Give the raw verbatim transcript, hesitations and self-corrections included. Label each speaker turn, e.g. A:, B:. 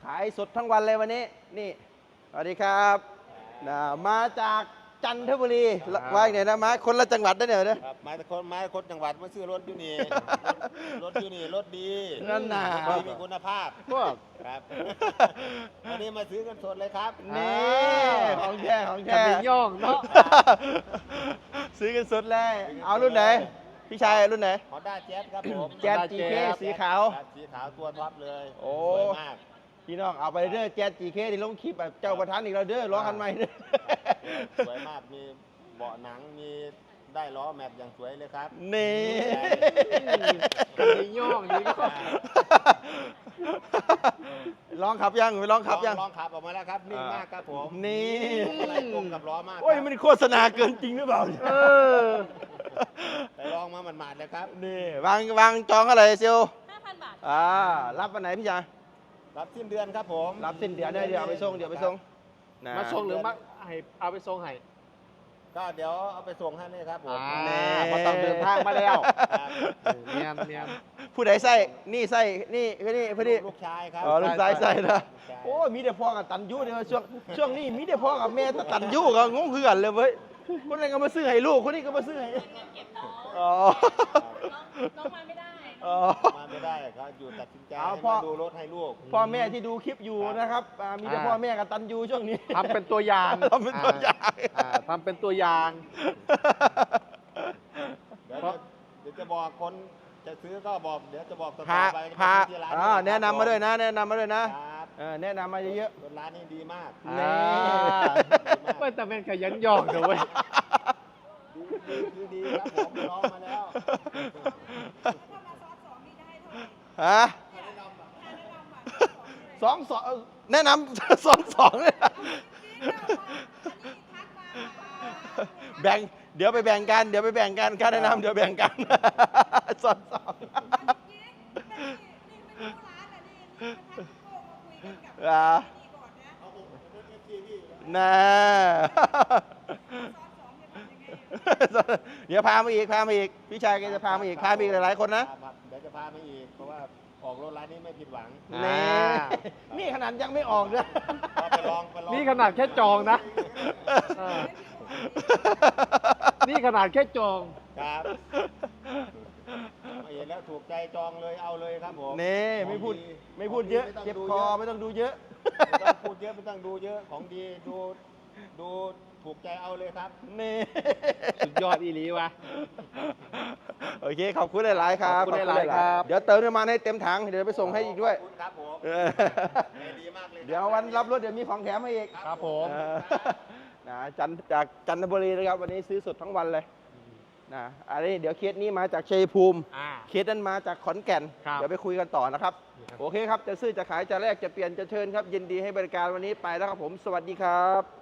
A: ขายสดทั้งวันเลยวันนี้นี่สวัสดีครับนะมาจากจันทบุรีว่าไงนะมาคนละจังหวัดได้เนี่ยนะครับ
B: มาแต่คนมาคนจังหวัดมาซื้อรถอยู่นี่ รถอยู่นี่รถดี
A: นั่นน่ะ
B: รถดีมีคุณภาพ
A: พวก
B: ครับ วันนี้มาซื้อกันสดเลยครับ
A: นี่ของแท้ของ
C: จะ
A: แท้
C: มีย่องเนาะ
A: ซื้อกันสดเลย เอารุ่นไหน พี่ชายรุ่นไหน
B: ฮอนด้าแจ๊สครับผม
A: แจ๊ส จี เค สีขาว
B: ครับสีขาวตัวท็อปเลย
A: โอ้
B: สวยมาก
A: พี่น้องเอาไปเด้อแจ๊ส จี เค ที่ลงคลิปแบบเจ้าประธานอีกแล้วเด้อล้อคันใหม่เด้อ
B: สวยมากมีเบาะหนังมีได้ล้อแม็กอย่างสวยเลยครับ
A: นี่
C: จะมีย่องนี่ก็
A: ลองขับยังไปลองขับยัง
B: ลองขับออกมาแล้วครับนิ่งมากครับผม
A: นี่
B: อะไรตรงกับล้อมาก
A: โอ้ย
B: ครับ
A: มันโฆษณาเกินจริงหรือเปล่า
C: เออ
B: ไปลองมาหมาดๆเลยครับ
A: นี่วางวางจองอะไรเซียว
D: ห้าพันบาท
A: อ่ารับวันไหนพี่ชาย
B: รับสิ้นเดือนครับผม
A: รับสิ้นเดือนได้เดี๋ยวเอาไปส่งเดี๋ยวเอาไปส่งนะ
C: มาส่งหรือมาให้เอาไปส่งให้
B: ก็เดี๋ยวเอาไปส่งให้เลยครับผม
C: อ่า
A: แน่
C: เพราะต้องเดินทางมาแล้ว
B: ครับ
C: เนียนเนียน
A: ผู้ใดใส่นี่ใส่นี่คือนี่พอดี
B: ลูกชายครับ
A: อ๋อลูกชายใส่นะ
B: ลูกชาย
A: โอ้ยมีแต่พ่อกับตันยูเนี่ยช่วงช่วงนี้มีแต่พ่อกับแม่ตันยูก็งงคือกันเลยเว้ยคนนั้นก็มาซื้อให้ลูกคนนี้ก็มาซื้อให้อ๋อ
D: น้องมาไม่ได้
A: อ๋อ
B: มาไม่ได้เขาอยู่ตัดสินใจ
A: เอา
B: ให้
A: พ่อ
B: มาดูรถให้ลูก
A: พ่อแม่ที่ดูคลิปอยู่นะครับอ่ามีแต่พ่อแม่กับตันยูช่วงนี้
C: ทำเป็นตัวอย่าง
A: ทำเป็นตัวอย่าง
C: อ่าทำเป็นตัวอย่าง
B: เดี๋ยวจะเดี๋ยวจะบอกคนจะซื้อก็บอกเดี๋ยวจะบอกต่อ
A: พา
B: ไป
A: พา
B: ที่ร้าน
A: อ่าแนะนำมาด้วย
B: นะ
A: นะ แนะนำมาด้วยนะครับ เออแนะนำมาเยอะ
B: รถร้านนี้ดีมาก
A: ๆ
C: อ่า
A: นี่
C: ไม่แต่เป็นขยันย่องเถอะเว้ย
B: ดีดีคือดีครับผมลองมาแล้ว
A: ฮะสองสองแนะนำ สองสองเลยแบ่งเดี๋ยวไปแบ่งกันเดี๋ยวไปแบ่งกันค่าแนะนำเดี๋ยวแบ่งกัน สองสองอ่าน่า เดี๋ยวพามาอีกพามาอีกพี่ชายแกจะพามาอีกพามาอีกหลายๆคนนะ
B: ครับเดี๋ยวจะพามาอีกเพราะว่าออกรถร้านนี้ไม่ผิดหวัง
A: นี่
C: อ่า
A: นี่ขนาดยังไม่ออกเลย
B: ก็ไปลองไปลอง
C: นี่ขนาดแค่จองนะเออนี่ขนาดแค่จอง
B: ครับเห็นแล้วถูกใจจองเลยเอาเลยครับผม
A: นี่ไม่พูด
B: ของ
A: ไม่พูดเยอะ
B: ขง
A: เจ็บ
B: ไม่
A: ค
B: ต้
A: อ
B: อง
A: ไม่ต้องดูเยอะ
B: ไม่ต้องพูดเยอะไม่ต้องดูเยอะของดีดูดูถูกใจเอาเลยครับ
A: นี่
C: สุดยอดอีหลีวะ
A: โอเคขอบคุณหลายๆครับ
C: ขอบคุณหลายๆครับ
A: เดี๋ยวเติมน้ำมันให้เต็มถังเดี๋ยวไปส่งให้อีกด้วย
B: ขอบคุณครับผม
A: เออ
B: ดีมากเลย
A: เดี๋ยววันรับรถเดี๋ยวมีของแถมให้อีก
C: ครับผม
A: เออนะจันจากจันทบุรีนะครับวันนี้ซื้อสดทั้งวันเลยนะอันนี้เดี๋ยวเคสนี้มาจากชัยภูมิ
C: อ่า
A: เคสนั้นมาจากขอนแก่น
C: ครับ
A: เดี๋ยวไปคุยกันต่อนะครับ
C: ครับ
A: โอเคครับ จะซื้อจะขายจะแลกจะเปลี่ยนจะเชิญครับ ยินดีให้บริการวันนี้ไปแล้วครับผม สวัสดีครับ